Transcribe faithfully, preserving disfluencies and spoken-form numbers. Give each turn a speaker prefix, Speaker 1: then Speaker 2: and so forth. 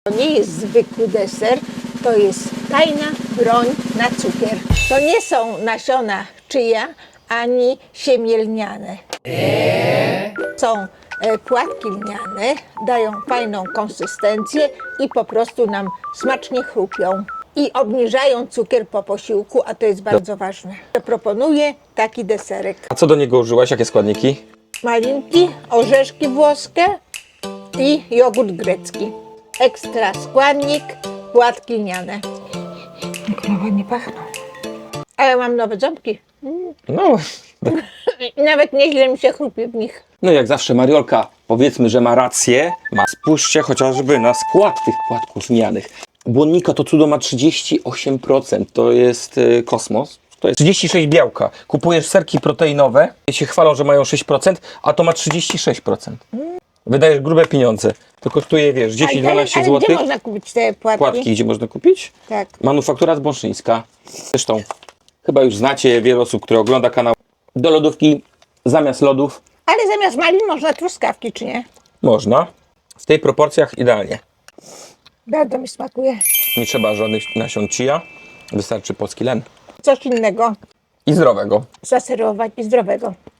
Speaker 1: To nie jest zwykły deser, to jest tajna broń na cukier. To nie są nasiona chia ani siemię lniane. Są e, płatki lniane, dają fajną konsystencję i po prostu nam smacznie chrupią. I obniżają cukier po posiłku, a to jest bardzo ważne. Proponuję taki deserek.
Speaker 2: A co do niego użyłaś? Jakie składniki?
Speaker 1: Malinki, orzeszki włoskie i jogurt grecki. Ekstra składnik, płatki lniane. Jak nowe nie pachną. Ale mam nowe ząbki.
Speaker 2: No,
Speaker 1: Nawet nieźle mi się chrupie w nich.
Speaker 2: no jak zawsze Mariolka, powiedzmy, że ma rację. Ma. Spójrzcie chociażby na skład tych płatków lnianych. Błonnika to cudo ma trzydzieści osiem procent. To jest y, kosmos. To jest trzydzieści sześć procent białka. Kupujesz serki proteinowe i się chwalą, że mają sześć procent, a to ma trzydzieści sześć procent. Wydajesz grube pieniądze. To kosztuje, wiesz, dziesięć do dwunastu
Speaker 1: ale, ale gdzie
Speaker 2: złotych.
Speaker 1: można kupić te płatki?
Speaker 2: Płatki gdzie można kupić?
Speaker 1: Tak.
Speaker 2: Manufaktura Zbąszyńska. Zresztą chyba już znacie wiele osób, które ogląda kanał. Do lodówki zamiast lodów
Speaker 1: Ale zamiast malin można truskawki, czy nie?
Speaker 2: można. W tej proporcjach idealnie.
Speaker 1: Bardzo mi smakuje.
Speaker 2: Nie trzeba żadnych nasion chia. Wystarczy polski len.
Speaker 1: Coś innego
Speaker 2: I zdrowego.
Speaker 1: zaserwować i zdrowego.